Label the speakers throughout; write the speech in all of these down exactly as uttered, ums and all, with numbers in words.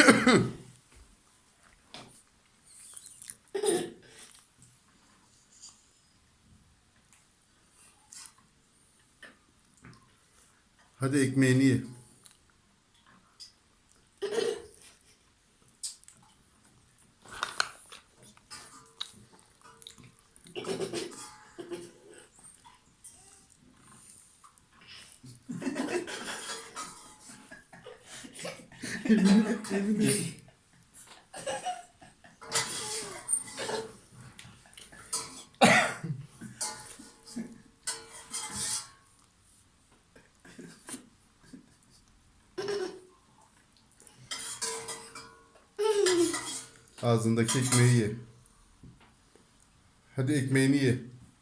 Speaker 1: Hadi ekmeğini ye. Ağzındaki ekmeği ye. Hadi ekmeğini ye.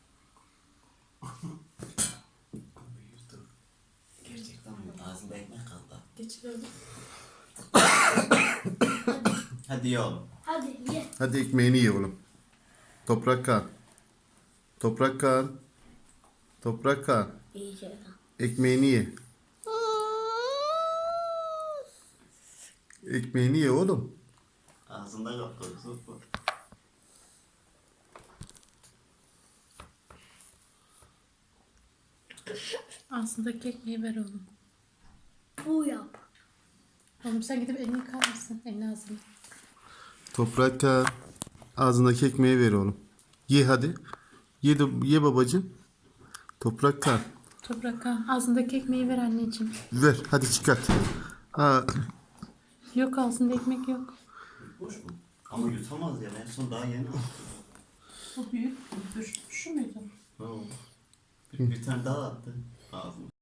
Speaker 2: Gerçekten mi? Ağzında ekmek kaldı.
Speaker 3: Geçirelim.
Speaker 2: Hadi ye oğlum.
Speaker 4: Hadi ye.
Speaker 1: Hadi ekmeğini ye oğlum. Toprak kan. Toprak kan. Toprak kan.
Speaker 4: İyice.
Speaker 1: Ekmeğini ye. Ekmeğini ye oğlum.
Speaker 2: Ağzında kaldı. Süper.
Speaker 3: Ağzındaki ekmeği ver oğlum.
Speaker 4: Bu yap.
Speaker 3: Oğlum sen gidip elini yıkar mısın? Elini ağzını.
Speaker 1: Toprak kan. Ağzındaki ekmeği ver oğlum. Ye hadi. Ye, de, ye babacığım. Toprak kan.
Speaker 3: Toprak kan. Ağzındaki ekmeği ver anneciğim.
Speaker 1: Ver hadi çıkart. Ha,
Speaker 3: Yok ağzında ekmek yok.
Speaker 2: Boş mu? Ama yutamaz ya. En son daha yeni aldım.
Speaker 3: O büyük. Dur. Şu muydu?
Speaker 2: Ne oldu? Bir, bir tane daha attı ağzına.